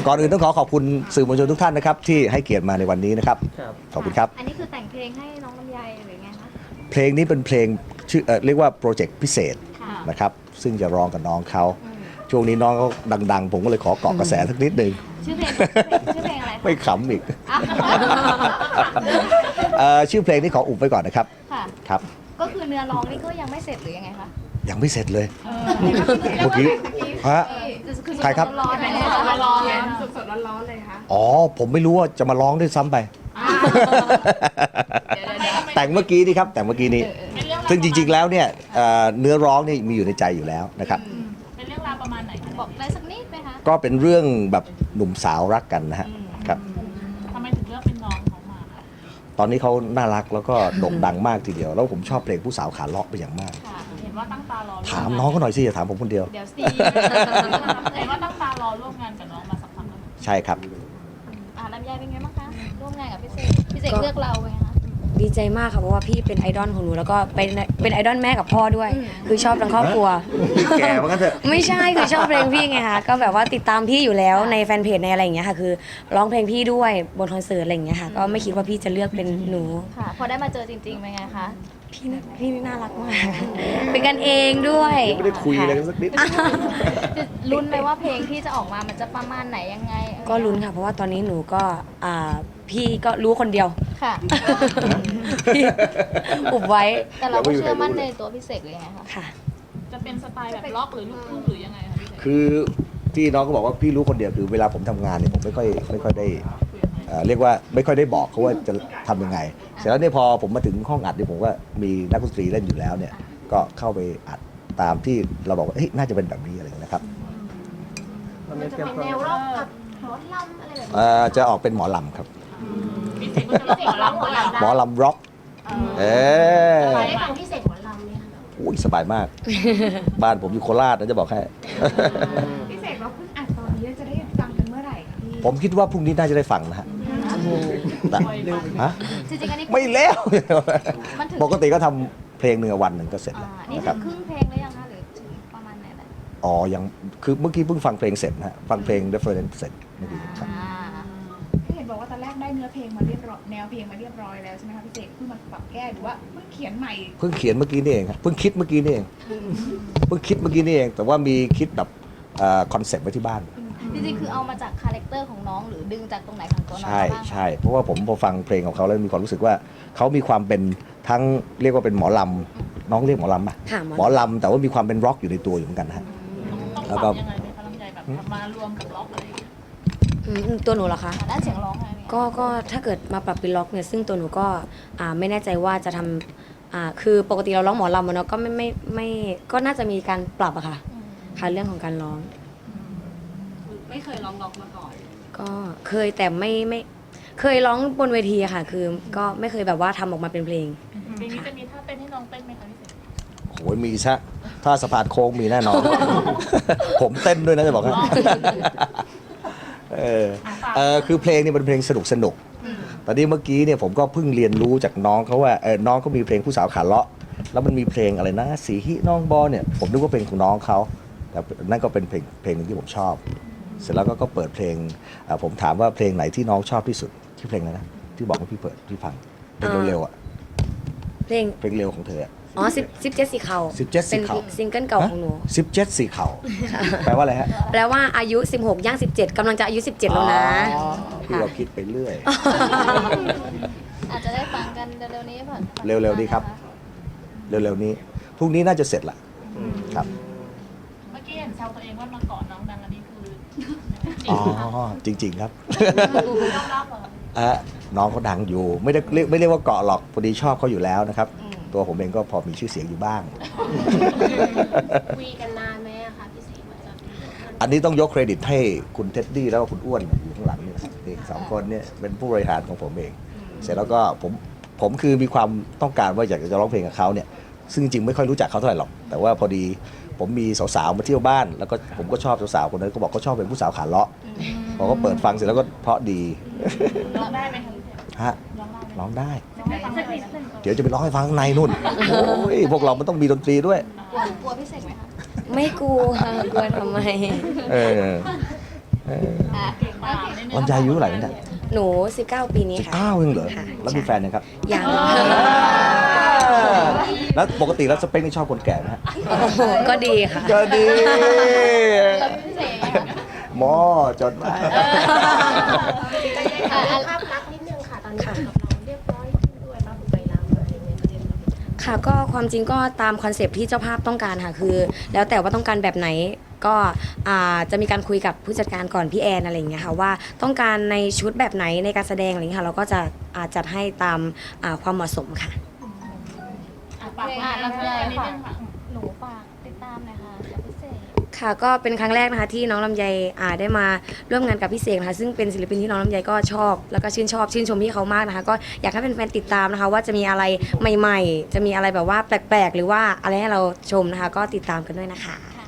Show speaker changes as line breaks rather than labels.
ก่อนอื่นต้องขอบคุณสื่อมวลชนทุกท่านนะครับที่ให้เกียรติมาในวันนี้นะครับขอบคุณครับ
อันนี้คือแต่งเพลงให้น้องลำไยหรือไงคะ
เพลงนี้เป็นเพลงชื่อเรียกว่าโปรเจกต์พิเศษนะครับซึ่งจะร้องกับน้องเขาช่วงนี้น้องเขาดังๆผมก็เลยขอเกาะกระแสสักนิดนึง
ชื่อเพลงอะไร
ไม่ขำอีกชื่อเพลงนี้ขออุบไว้ก่อนนะครับครับ
ก็คือเนื้อร้องนี่ก็ยังไม่เสร็จหรือยังไงคะ
ยังไม่เสร็จเลยเมื่อกี้ฮะใครครับ
ร้อนเลย
สดๆร้อนๆเลยค่ะ
อ๋อผมไม่รู้ว่าจะมาร้องด้วยซ้ำไปแต่งเมื่อกี้นี่ครับแต่งเมื่อกี้นี้ซึ่งจริงๆแล้วเนี่ยเนื้อร้องนี่มีอยู่ในใจอยู่แล้วนะครับ
เป็นเรื่องราวประมาณไหนบอกได้สักนิดไหมคะ
ก็เป็นเรื่องแบบหนุ่มสาวรักกันนะฮะครับ
ทำไมถึงเลือกเป็นน้องเขามาคะ
ตอนนี้เขาน่ารักแล้วก็โด่งดังมากทีเดียวแล้วผมชอบเพลงผู้สาวขาเลาะไปอย่างมาก
เห็นว่าตั้งตารอ
ถามน้องเขาหน่อยสิอย่าถามผมคนเดียว
เดี๋ยวสิเห็นว่าตั้งตารอร่วมงานกับน้องมาสักพักแล้ว
ใช่ครับ
ลำไยเป็นไงบ้างคะร่วมงานกับพี่เสกเลือกเราไงคะ
ดีใจมากค่ะเพราะว่าพี่เป็นไอดอลของหนูแล้วก็เป็นไอดอลแม่กับพ่อด้วยคือชอบทั้งครอบครัว
แก่มากันเถอะ
ไม่ใช่คือชอบเพลงพี่ไงคะก็แบบว่าติดตามพี่อยู่แล้วในแฟนเพจในอะไรอย่างเงี้ยค่ะคือร้องเพลงพี่ด้วยบนคอนเสิร์ตอะไรอย่างเงี้ยค่ะก็ไม่คิดว่าพี่จะเลือกเป็นหนู
ค่ะพอได้มาเจอจริงๆเป็นไงคะ
พี่น่ารักมากเป็นกันเองด้วย
ไม่ได้คุยอะไรกันสักนิด
ลุ้นไหมว่าเพลงที่จะออกมามันจะประมาณไหนยังไง
ก็ลุ้นค่ะเพราะว่าตอนนี้หนูก็พี่ก็รู้คนเดียว
ค่ะ
อุบไว้
แต่เราก็เชื่อมั่นในตัวพี่เสกเลยไงคะ
ค่ะ
จะเป็นสไตล์แบบล็อกหรือลูกทุ่งหรือยังไงคะพี่เสก
คือที่น้องก็บอกว่าพี่รู้คนเดียวคือเวลาผมทำงานเนี่ยผมไม่ค่อยได้เรียกว่าไม่ค่อยได้บอกเขาว่าจะทำยังไงเสร็จแล้วเนี่ยพอผมมาถึงห้องอัดเนี่ยผมก็มีนักดนตรีเล่นอยู่แล้วเนี่ยก็เข้าไปอัดตามที่เราบอกว่าเฮ้ยน่าจะเป็นแบบนี้อะไรนะครับ
มันจะเป็นแนวร็อกกับหมอลำอะไรแบบ
จะออกเป็นหมอลำครับ
พี่เสกก็จะร้องหมอลำ
ร็อก
ได้ฟังพี่เสกหมอลำเนี่ย
โอ้ยสบายมาก บ้านผมอยู่โคราชนะจะบอกให้
พี่เสกเราเพิ่งอัดตอนนี้จะได้ฟังกันเมื่อไหร่คะพี่
ผมคิดว่าพรุ่งนี้น่าจะได้ฟังนะฮะ
จริงๆอันนี้
ไม่แล้วปกติก็ทำเพลงหนึ่งวันหนึ่งก็เสร็จแล้ว
นี่ถึงครึ่งเพลงแล้วยังคะหรือถึงประมาณไหนแล้ว
อ๋อยังคือเมื่อกี้เพิ่งฟังเพลงเสร็จนะฮะฟังเพลง reference เสร็จเมื่อกี้ครับ
พี่เห็นบอกว่าตอนแรกได้เนื้อเพลงมาเรียบร้อยแนวเพลงมาเรียบร้อยแล้วใช่ไหมคะพี่เสกเพิ่งมาปรับแก้หรือว่าเพิ่งเขียนใหม่
เพิ่งเขียนเมื่อกี้นี่เองครับเพิ่งคิดเมื่อกี้นี่เองเพิ่งคิดเมื่อกี้นี่เองแต่ว่ามีคิดแบบคอนเซ็ปต์ไว้ที่บ้าน
จริงๆคือเอามาจากคาแรคเตอร์ของน้องหรือดึงจากตรงไหนของตัวน้องบ้าง
ใช่เพราะว่าผมพอฟังเพลงของเขาแล้วมีความรู้สึกว่าเขามีความเป็นทั้งเรียกว่าเป็นหมอลำน้องเรียกหมอลำป่ะหมอลำแต่ว่ามีความเป็นร็อกอยู่ในตัวอยู่เหมือนกันนะฮะ
แล้วก็ยังไงเป็นพลังใจแบบมารวมกับร็อกอะไร
ตัวหนูเหรอคะ
ด้านเสียงร้องไง
ก็ถ้าเกิดมาปรับเป็นล็อกเนี่ยซึ่งตัวหนูก็ไม่แน่ใจว่าจะทำคือปกติเราร้องหมอลำเนาะก็ไม่ก็น่าจะมีการปรับอะค่ะเรื่องของการร้อง
ไม่เคยร้องล็อกมาก่อน
ก็เคยแต่ไม่เคยร้องบนเวทีอะค่ะคือก็ไม่เคยแบบว่าทำออกมาเป็นเพลง
เพลงนี้จะมีท่าเต้นให้น้องเต้นไหมคะพี่เสก
โอ้ยมีซะถ้าสะพานโค้งมีแน่นอน ผมเต้นด้วยนะจะบอกให้คือเพลงนี้เป็นเพลงสนุกตอนนี้เมื่อกี้เนี่ยผมก็เพิ่งเรียนรู้จากน้องเขาว่าน้องเขามีเพลงผู้สาวขาเลาะแล้วมันมีเพลงอะไรนะสีหิน้องบอเนี่ยผมนึกว่าเพลงของน้องเขาแต่นั่นก็เป็นเพลงนึงที่ผมชอบเสร็จแล้วก็เปิดเพลงผมถามว่าเพลงไหนที่น้องชอบที่สุดชื่อเพลงอะไรนะที่บอกว่าพี่เปิดพี่ฟังเพลงเร็วๆอ่ะเพลงเร็วของเธอ
อ๋อ17สีเขา
เป็น
ซิงเกิลเก่าของหนู
17สีเขาแปลว่าอะไรฮะ
แปลว่าอายุ16ย่าง17กำลังจะอายุ17แล้วนะ
พี่เราคิดไปเรื่อย
อาจจะได้ฟังกันเร็วๆนี้ผ่อน
เร็วๆนี้ครับเร็วๆนี้พรุ่งนี้น่าจะเสร็จละครับ
เมื่อกี้เห็นแซวตัวเองว่ามาเกาะน้องดังอันนี้คือ
อ๋อจริงๆครับน้องเขาดังอยู่ไม่ได้เรียกว่าเกาะหรอกพอดีชอบเขาอยู่แล้วนะครับตัวผมเองก็พอมีชื่อเสียงอยู่บ้าง
คุยกันนานไหมคะพี่ศรี
อันนี้ต้องยกเครดิตให้คุณเท็ดดี้แล้วก็คุณอ้วนอยู่ข้างหลังนี่นะครับสองคนเนี่ยเป็นผู้บริหารของผมเองเสร็จแล้วก็ผมคือมีความต้องการว่าอยากจะร้องเพลงกับเขาเนี่ยซึ่งจริงๆไม่ค่อยรู้จักเขาเท่าไหร่หรอกแต่ว่าพอดีผมมีสาวๆมาเที่ยวบ้านแล้วก็ผมก็ชอบสาวๆคนนั้นก็บอกเขาชอบเป็นผู้สาวขาเลาะพอก็เปิดฟังเสร็จแล้วก็เพราะดี
ร้องได้ไหม
ฮะร้องได้เดี๋ยวจะไปร้องให้ฟังข้างในนู่นโอ้ยพวกเรามันต้องมีดนตรีด้วย
กลัวพี่เสกไหมคะ
ไม่กลัวกลัวทำไม
ลำไยอายุเท่าไหร่เนี่ย
หนู 19 ปีนี้ค่ะ
19เองเหรอ
ค่ะ
แล้วมีแฟนยังครับ
ยัง
แล้วปกติแล้วสเปคนี่ชอบคนแก่ไหมฮะ
โอ้โหก็ดีค่ะ
ก็ดีหมอจดมา
ภาพลักษณ์นิดนึงค่ะ ตอนนี้กับเราเรียบร้อยขึ้นด้วยบ้างไปแล้วอะไรอย่างเงี้ยประเทศเรา
ค่ะก็ความจริงก็ตามคอนเซปต์ที่เจ้าภาพต้องการค่ะคือ แล้วแต่ว่าต้องการแบบไหนก็จะมีการคุยกับผู้จัดการก่อนพี่แอนอะไรอย่างเงี้ยค่ะว่าต้องการในชุดแบบไหนในการแสดงอะไรอย่างเงี้ยค่ะเราก็จะจัดให้ตามความเหมาะสมค่ะ
ฝากงานแล้วเลยนิดนึงค่ะ
หนูฝากติดตามหน่อยค่ะกับพิเศษ
ค่ะก็เป็นครั้งแรกนะคะที่น้องลำไยได้มาร่วมงานกับพี่เสกนะคะซึ่งเป็นศิลปินที่น้องลำไยก็ชอบแล้วก็ชื่นชมพี่เขามากนะคะก็อยากให้แฟนๆติดตามนะคะว่าจะมีอะไรใหม่ๆ จะมีอะไรแบบว่าแปลกๆ หรือว่าอะไรให้เราชมนะคะก็ติดตามกันด้วยนะคะ